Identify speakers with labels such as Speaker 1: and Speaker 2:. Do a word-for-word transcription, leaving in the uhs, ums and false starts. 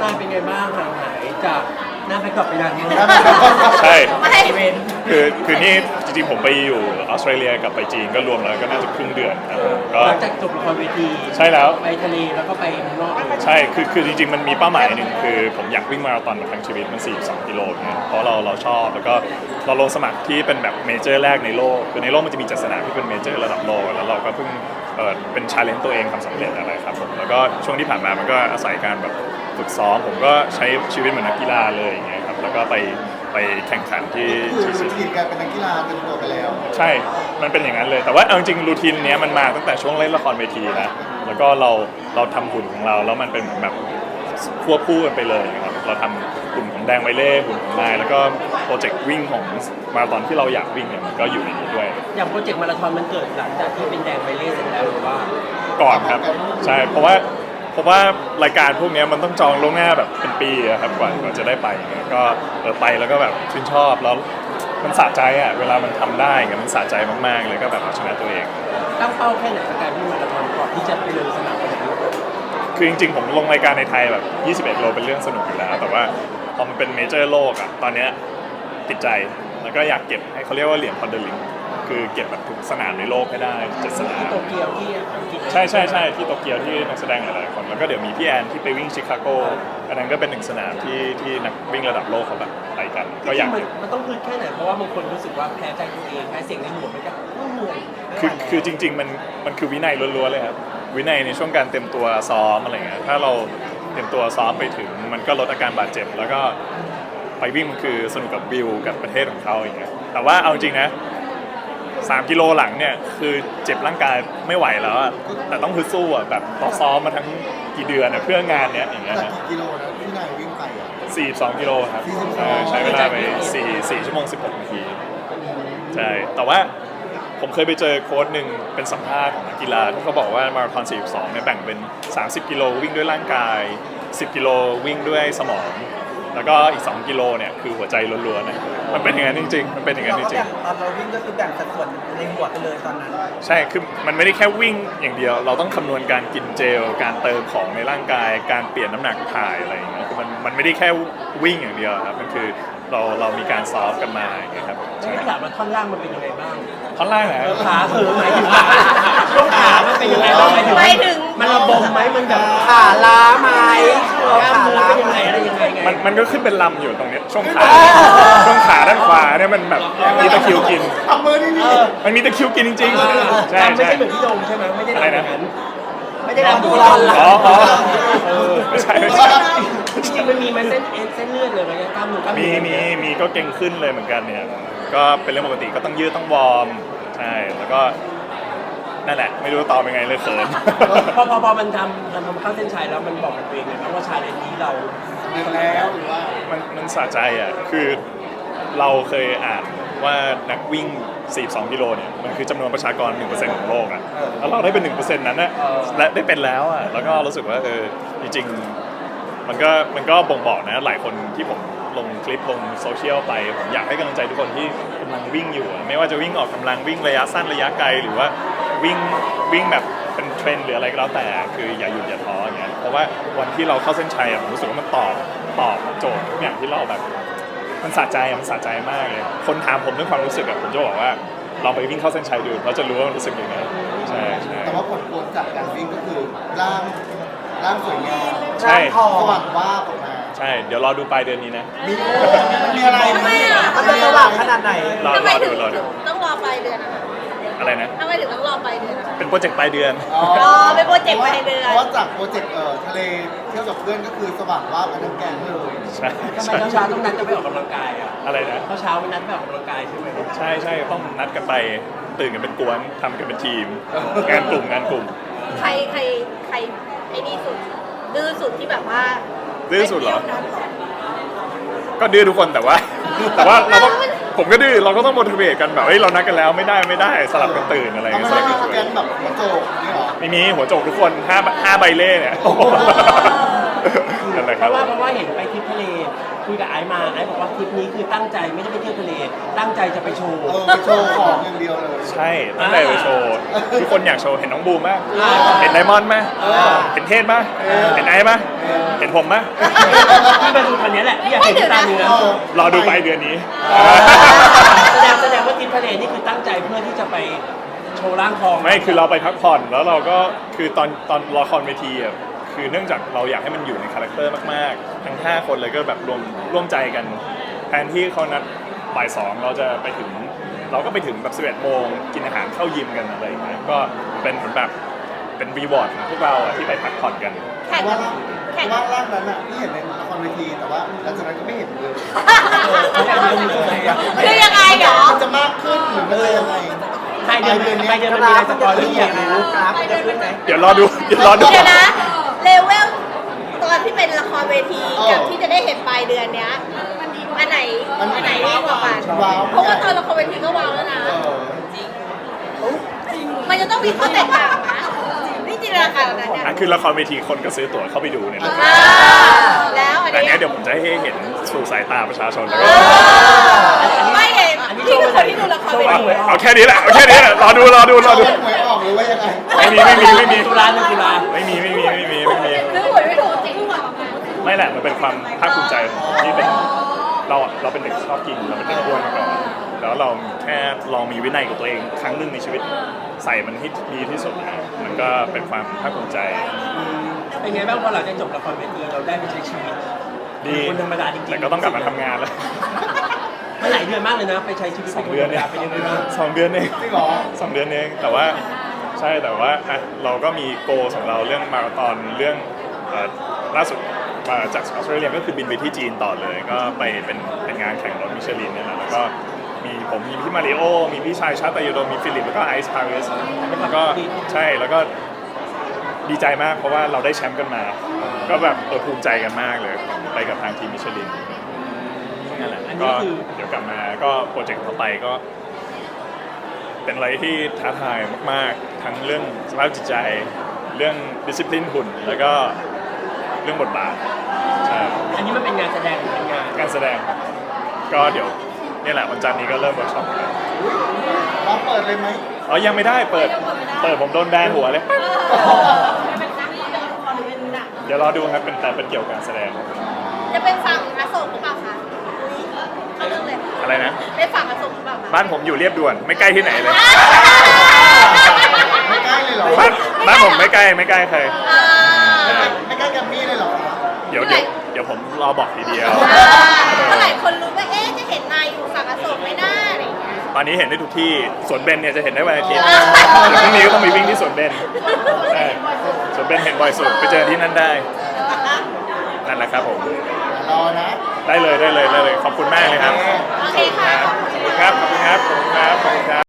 Speaker 1: านเป็นไงบ้างห่างหายจากหน้าแบ็คดรอปไปนานมาก
Speaker 2: ใช่
Speaker 1: อีเวนต์
Speaker 2: คือคือนี่จริงๆผมไปอยู่ออสเตรเลียกับไปจีนก็รวมแล้วก็น่าจะครึ่งเดือนครับก็
Speaker 1: หลังจากจบละครเวที
Speaker 2: ใช่แล้ว
Speaker 1: ไปทะเลแล้วก็ไปเมืองนอกเลย
Speaker 2: ใช่คือคือจริงๆมันมีเป้าหมายหนึ่งคือผมอยากวิ่งมาราธอนมาทั้งชีวิตมันสี่สิบสองกิโลเนี่ยเพราะเราเราชอบแล้วก็เราลงสมัครที่เป็นแบบเมเจอร์แรกในโลกคือในโลกมันจะมีจัดสนามที่เป็นเมเจอร์ระดับโลกแล้วเราก็เพิ่งเออเป็นชาเลนจ์ตัวเองทำสำเร็จอะไรครับผมแล้วก็ช่วงที่ผ่านมามันก็อาศัยการแบบฝึกซ้อมผมก็ใช้ชีวิตเหมือนนักกีฬาเลยอย่างเงี้ยครับแล้วก็ไปไปแข่งขันที่
Speaker 3: คือ
Speaker 2: ที่
Speaker 3: รูทีนการเป็นนักกีฬาเต็มตัวไปแล้ว
Speaker 2: ใช่ มันเป็นอย่างนั้นเลย แต่ว่าเอาจริงรูทีนเนี้ยมันมาตั้งแต่ช่วงเล่นละครเวทีนะ แล้วก็เราเราทำหุ่นของเราแล้วมันเป็นเหมือนแบบควบคู่กันไปเลยนะครับ เราทำหุ่นของแดงไวเล่หุ่นของนายแล้วก็โปรเจกต์วิ่งของมาราธอนที่เราอยากวิ่งเนี่ยมันก็อยู่ในนี้ด้วย
Speaker 1: อย่างโปรเจกต์มาราธอนมันเกิดหลังจากที่เป็นแดงไปเล่เสร็จแล้วหรือว่า
Speaker 2: ก่อนครับ ใช่ เพราะว่าเพราะว่ารายการพวกนี้มันต้องจองล่วงหน้าแบบเป็นปีอะครับกว่ากว่าจะได้ไปอย่างเงี้ยก็เออไปแล้วก็แบบชื่นชอบแล้วมันสะใจอ่ะเวลามันทำได้เงี้ยมันสะใจมากๆเลยก็แบบเอาชนะตัวเอง
Speaker 1: ตั้งเป้าแค่ไหนกับการวิ่งมาราธอนก่อนที่จะไปลงสนามขนาดนี้
Speaker 2: คือจริงๆผมลงรายการในไทยแบบยี่สิบเอ็ดโลเป็นเรื่องสนุกอยู่แล้วแต่ว่าพอมันเป็นเมเจอร์โลกอ่ะตอนเนี้ยติดใจแล้วก็อยากเก็บให้เขาเรียกว่าเหรียญพอนเดลิงคือเก็บแบบทุกสนามในโลกให้ได้เจ็ดสนาม
Speaker 1: ที่โตเกียวที่อังกฤษ
Speaker 2: ใช่ใช่ใช่ที่โตเกียวที่นักแสดงหลายๆคนแล้วก็เดี๋ยวมีพี่แอนที่ไปวิ่งชิคาโกอันนั้นก็เป็นหนึ่งสนามที่ที่นักวิ่งระดับโลกเขาแบบไปกันก็อยาก
Speaker 1: มัน
Speaker 2: เก็บ
Speaker 1: มันต้องพื้นแค่ไหนเพราะว่าบางคนรู้สึกว่าแพ้ใจตัวเองแพ้เสียงในหัวมันก็เหนื่อย
Speaker 2: คือคือจริงๆมันมันคือวินัยล้วนๆเลยครับวินัยในช่วงการเตรียมตัวซ้อมอะไรเงี้ยถ้าเราเตรียมตัวซ้อมไปถึงมันก็ลดอาการบาดเจ็บแล้วก็ไปวิ่งมันคือสนุกกับวิวกับประเทศของเขาอย่างเงี้ยแต่ว่าเอาจริงนะสามกิโลหลังเนี่ยคือเจ็บร่างกายไม่ไหวแล้วอะแต่ต้องฮึดสู้อะแบบต้องซ้อมมาทั้งกี่เดือนอะเพื่องานเนี้ยอย่างเงี้ย
Speaker 3: จาก
Speaker 2: นะ
Speaker 3: กี่กิโลนะที่นายวิ่งไปอ่ะ
Speaker 2: สี่สิบสองกิโลครับ
Speaker 3: สี่สิบสอง
Speaker 2: เออใช้เวลาไปสี่สี่ชั่วโมงสิบหกนาทีใช่แต่ว่าผมเคยไปเจอโค้ชหนึ่งเป็นสัมภาษณ์ของนักกีฬาที่เขาบอกว่ามาราธอนสี่สิบสองเนี่ยแบ่งเป็นสามสิบกิโลวิ่งด้วยร่างกายสิบกิโลวิ่งด้วยสมองแล้วก็อีกสองกิโลเนี่ยคือหัวใจล้วนๆนะมันเป็นอย่างนั้นจริงๆมันเป็นอย่างนั้นจริงๆ
Speaker 4: ตอนเราวิ่งก็คือแบ่งสัดส่วนในหัวไปเลยตอนนั้น
Speaker 2: ใช่ คือมันไม่ได้แค่วิ่งอย่างเดียว เราต้องคำนวณการกินเจล การเติมของในร่างกาย การเปลี่ยนน้ำหนักถ่ายอะไรอย่างเงี้ย คือมันมันไม่ได้แค่วิ่งอย่างเดียวครับ มันคือเราเรามีการซ้อมกันมาอย่างเงี้ยครับ
Speaker 1: ใช่ถามว่าท่อนล่างมันเป็นยังไงบ้าง
Speaker 2: ท่อนล่างนะ
Speaker 1: ขาเออหมายถึงว่าช่วงขามันเป็นยังไงบ้างหมายถึง
Speaker 5: หมายถึง
Speaker 1: มันระบมไหมมันแบบ
Speaker 4: ขาล้าไหม
Speaker 1: กล้ามเนื้อเป็นยังไงอะไรยังไงไง
Speaker 2: มันมันก็ขึ้นเป็นลำอยู่ตรงเนี้ยช่วงขา ช่วงขาด้านขวาเนี่ยมันแบบมีตะคริวกิน
Speaker 3: ทำมือนี่นี่
Speaker 2: มันมีตะคริวกินจริงๆ ใช่
Speaker 1: ไม่
Speaker 2: ใช่
Speaker 1: ใช่เหมือนพี่โดมใช่ไหมไม่ได้
Speaker 2: อะไร
Speaker 1: ทำอ
Speaker 2: นะ
Speaker 1: ย่างนั้นไม่ได้ทำดู
Speaker 4: เรา
Speaker 1: เรา
Speaker 2: อ๋ออ๋อเออไม่ใช่ไม่ใช่
Speaker 1: จริงๆมันมีมันเส้นเอ็นเส้นเลือดเลยมันกล้ามเนื้อกล้าม
Speaker 2: มี
Speaker 1: เนื้อ
Speaker 2: มีมีก็เก่งขึ้นเลยเหมือนกันเนี่ย ก็เป็นเรื่องปกติก็ต้องยืดต้องวอร์ม ใช่ แล้วก็นั่นแหละ ไม่รู้ตอบยังไงเลยเขิน
Speaker 1: พอพอพอมันทำมันทำเข้าเส้นชัยแล้วมันบอกกับตัวเองเลยนะว่าชาเลนจ์นี้เรา
Speaker 3: เดินแล้วหรือว่า
Speaker 2: มันมันสะใจอ่ะ คือเราเคยอ่านว่านักวิ่ง สี่สิบสอง กิโลเนี่ย มันคือจำนวนประชากร หนึ่งเปอร์เซ็นต์ ของโลกอ่ะ แล้วเราได้เป็น หนึ่งเปอร์เซ็นต์ นั้นนะและได้เป็นแล้วอ่ะ แล้วก็รู้สึกว่าเออ จริงๆ มันก็มันก็บ่งบอกนะ หลายคนที่ผมลงคลิปลงโซเชียลไป ผมอยากให้กำลังใจทุกคนที่กำลังวิ่งอยู่อะไม่ว่าจะวิ่งออกกำลังวิ่งระยะสั้นระยะไกล หรือว่าวิ่งวิ่งแบบเป็นเทรนด์หรืออะไรก็แล้วแต่ คืออย่าหยุดอย่าท้ออย่างเงี้ย เพราะว่าวันที่เราเข้าเส้นชัยอะผมรู้สึกว่ามันตอบตอบโจทย์ทุกอย่างที่เราแบบ มันสะใจอะมันสะใจมากเลย คนถามผมเรื่องความรู้สึกอะผมจะบอกว่าลองไปวิ่งเข้าเส้นชัยดูเราจะรู้ว่ามันรู้สึกยังไง ใช่ใช่
Speaker 3: แต่ว่าผลพวงจากการวิ่งก็คือร่างร่างสวยงาม
Speaker 2: ใช่
Speaker 4: ทอง
Speaker 3: สว่างว่าบออกมา
Speaker 2: ใช่ เดี๋ยวรอดูปลายเดือนนี้นะ
Speaker 3: มีมีอะไร
Speaker 5: ทำไมอ่ะ
Speaker 4: มันจะสว่างขนาดไหน
Speaker 2: รอ
Speaker 5: ทำไม
Speaker 2: รอ
Speaker 5: ถึ
Speaker 2: ดู
Speaker 5: ง
Speaker 2: รอดู
Speaker 5: ต้องรอปลายเดือนอะคะ
Speaker 2: อะไรนะ
Speaker 5: ทำไมถึงต้องรอปลายเดือนอะ
Speaker 2: เป็นโปรเจกต์ปลายเดือน
Speaker 3: อ๋อ
Speaker 5: อ๋อเป็นโปรเจกต์ปลายเดือน
Speaker 3: เพราะว่าจากโปรเจกต์เอ่อทะเลเที่ยวกับเพื่อนก็คือสว่างว่าบกันทั้งแก๊งเลย
Speaker 2: ใช่
Speaker 1: ทำไม
Speaker 2: ใช่
Speaker 1: เช้าๆต้องนัดจะไปออกกำลังกายอ่ะ
Speaker 2: อะไรนะ
Speaker 1: เช้าๆไม่นัดไปออกกำลังกายใช่ไหม
Speaker 2: ใช่ใช่ต้องนัดกันไปตื่นกันเป็นกวนทำกันเป็นทีม งานกลุ่มงานกลุ่ม
Speaker 5: ใครใครใครไอ้นี่สุดดื้อสุดที่แบบว่า
Speaker 2: ดื้อสุดเหรอ
Speaker 5: ไปที่ยวนั้นเหรอ
Speaker 2: ก็ดื้อทุกคนแต่ว่า แต่ว่าเราต้องผมก็ดื้อเราก็ต้อง motivate กันแบบเฮ้ยเรานัดกันแล้วไม่ได้ไม่ได้สลับกันตื่นอะไร
Speaker 3: เรา
Speaker 2: เงี้
Speaker 3: ไม่
Speaker 2: ยส
Speaker 3: ได้
Speaker 2: ลับ
Speaker 3: มี
Speaker 2: กัน
Speaker 3: ส
Speaker 2: ตื่น
Speaker 3: แกนแบบหัวโจกนี่หรอ
Speaker 2: ไม่มีหัวโจกทุกคนห้าห้าใบเล่เนี่ยนั่นแหละ
Speaker 1: เพ
Speaker 2: ครับ
Speaker 1: ราะว่าเพราะว่าเห็นไปทริปทะเลคุยกับไอซ์มาไอซ์บอกว่าทริปนี้คือตั้งใจไม่ได้ไปเที่ยวทะเล ตั้งใจจะไปโชว์
Speaker 3: เออไปโชว์ของอย่างเดียวเลย
Speaker 2: ใช่ตั้งแต่ไปโชว์ทุกคนอยากโชว์เห็นน้องบูมไหม
Speaker 1: อ่า
Speaker 2: เห็นไดมอนด์ไหม
Speaker 1: เออ
Speaker 2: เห็นเทศไหมเห็นไอซ์ไหมเห็นผมไหม
Speaker 1: พี่มาดูคนนี้แหละพี่อยากเห็นที่ตาเนื้อ
Speaker 3: เออ
Speaker 2: รอดูปลายเดือนนี้
Speaker 1: แสดงแสดงว่าทริปทะเลนี่คือตั้งใจเพื่อที่จะไปโชว์ร่างทอง
Speaker 2: ไม่คือเราไปพักผ่อนแล้วเราก็คือตอนตอนละครเวทีอ่ะคือเนื่องจากเราอยากให้มันอยู่ในคาแรคเตอร์มากๆ ทั้งห้าคนเลยก็แบบรวมร่วมใจกันแทนที่เขานัดบ่ายสองเราจะไปถึง เราก็ไปถึงแบบสิบเอ็ดโมงกินอาหารเข้ายิมกันอะไรอย่างเงี้ยก็เป็นเหมือนแบบเป็นรีวอร์ดของพวกเราอะที่ไปพักผ่อนกัน
Speaker 5: แข่ง
Speaker 3: ว่า
Speaker 5: แข่ง
Speaker 3: ว่าร่างนั้นอ่ะที่เห็นในละครเวทีแต่ว่าหลังจากนั้นก็ไม่เห็นเลย
Speaker 5: คือยังไงเหรอ
Speaker 3: มันจะมากขึ้นหรือมันจะยังไง
Speaker 1: ใครเดินใครเดินมันมีอะไรสปอยล์ที่อยากรู้
Speaker 4: กราฟจะขึ้นไหม
Speaker 2: เดี๋ยวรอดูเดี๋ยวรอดู
Speaker 5: เดี๋ยวนะเลเวลตอนที่เป็นละครเวทีกับที่จะได้เห็นปลายเดือนเนี้ยอันไหนอันไหนดีกว่ากัน
Speaker 3: ว้าว
Speaker 5: เพราะว่าตอนละครเวทีก็ว้าวแล้วนะ
Speaker 3: เออ
Speaker 5: มันจะต้องมีข้อแตกต่างนะนี่จินตนาการนะเนี่ย
Speaker 2: อ่ะคือละครเวทีคนก็ซื้อตั๋วเข้าไปดูเนี่ยนะ
Speaker 5: อ่าแล้วอัน
Speaker 2: แต่
Speaker 5: นี้
Speaker 2: เนี้ยเดี๋ยวผมจะให้เห็นสู่สายตาประชาชนแล้วก็
Speaker 5: ไม่เห็นพี่คือคนที่ดูละครเว
Speaker 2: เอา
Speaker 5: ที
Speaker 2: เอาแค่นี้แหละเอาแค่นี้แหละรอดูรอดูรอดู
Speaker 3: หวยออกหรือว่ายังไง
Speaker 2: ไม่มีไม่มีไม่มี
Speaker 1: ตุลาหนึ่งตุลา
Speaker 2: ไม่มีไม่มีไม่มีไม่มี
Speaker 5: คือหวยไม่ถูกจริงหวย
Speaker 2: ไม่แหละมันเป็นความภาคภูมิใจที่เป็นเราเราเป็นเด็กชอบกินเราเป็นเด็กอ้วนมาก่อนแล้วเราแค่ลองมีวินัยกับตัวเองครั้งหนึ่งในชีวิตใส่มันให้ดีที่สุดนะมันก็เป็นความภาคภูมิใจ
Speaker 1: เป็นไงบ้างพอหลังจากจบละครเวทีเราได้ไปใช้ชีวิต
Speaker 2: ดี
Speaker 1: คนธรรมดาจริงๆ
Speaker 2: แต่ก็ต้องกลับมาทำงานแล้ว
Speaker 1: มันหลายเดือนมากเลยนะ ไปใช้ชีวิต
Speaker 2: สองเดือน
Speaker 1: เป็
Speaker 2: เอง
Speaker 1: คธรรมดาเป็นยังไงบ้าง
Speaker 2: สองเดือนเอง
Speaker 3: จริงเหรอ
Speaker 2: สองเดือนเองแต่ว่าใช่แต่ว่าอ่ะเราก็มีโกของเราเรื่องมาราธอนเรื่องเอ่อล่าสุดมาจากออสเตรเลียก็คือบินไปที่จีนต่อเลย ก็ไปเป็นเป็นงานแข่งรถมิชลินเนี่ยแหละแล้วก็มีผมมีพี่มาริโอมีพี่ชายชาตยโดมีฟิลิปแล้วก็ไอซ์พาริสแล้วก็ใช่แล้วก็ดีใจมากเพราะว่าเราได้แชมป์กันมา ก็แบบเออภูมิใจกันมากเลยไปกับทางทีมมิชลินนั่นแหละ
Speaker 1: อัน
Speaker 2: ก็
Speaker 1: นี้คือ
Speaker 2: เดี๋ยวกลับมาก็โปรเจกต์ต่อไปก็ เป็นอะไรที่ท้าทายมากๆ ทั้งเรื่องสภาพจิตใจ เรื่องดิสซิ p ลินหุ่น แล้วก็เรื่องบทบาทใช่
Speaker 1: อันนี้มันเป็นงานแสดงหรือเป็นงาน
Speaker 2: การแสดงครับก็เดี๋ยวนี่แหละวันจันทร์นี้ก็เริ่มเวิร์กช็อปกัน
Speaker 3: เราเปิดเลยไหม
Speaker 2: อ๋อยังไม่ได้เปิด เปิดผมโดนแบนหัวเลย เดี๋ยวรอดูครับเป็นแต่เป็นเกี่ยวกับการแสดง
Speaker 5: จะเป็นฝั่งอโศกหรือเปล่าคะอุ๊ยเข้าเรื่องเลย
Speaker 2: อะไรนะ
Speaker 5: เป็นฝั่งอโศกหรือเปล่าคะ
Speaker 2: บ้านผมอยู่เรียบด่วนไม่ใกล้ที่ไหนเลย
Speaker 3: ไม่ใกล้เลยเหรอ
Speaker 2: บ้านบ้านผมไม่ใกล้ไม่ใกล้ใคร
Speaker 5: อ่า
Speaker 3: ไม่ใกล้แกรมมี่เลยเหรอคะ
Speaker 2: เดี๋ยวเดี๋ยวเดี๋ยวผมรอบอกทีเดียว
Speaker 5: เมื่อไหร่คนรู้ว่าเอ๊ะจะเห็นนายอยู่ฝั่งอโศกไหมหน้าอะไรอย่างเงี้ย
Speaker 2: ตอนนี้เห็นได้ทุกที่สวนเบนเนี่ยจะเห็นได้วันอาทิตย์
Speaker 5: อ่า
Speaker 2: เดี๋ยวพรุ่งนี้ก็ต้องมีวิ่งที่สวนเบนใช่สวนเบนเห็นบ่อยสุดไปเจอที่นั่นได้ นั่นแหละครับผม
Speaker 3: รอนะ
Speaker 2: ได้เลยได้เลยได้เลย ขอบคุณมากเลยครับ
Speaker 5: โอเคค่ะ
Speaker 2: ครับ ขอบคุณครับ ขอบคุณครับ ขอบคุณครับ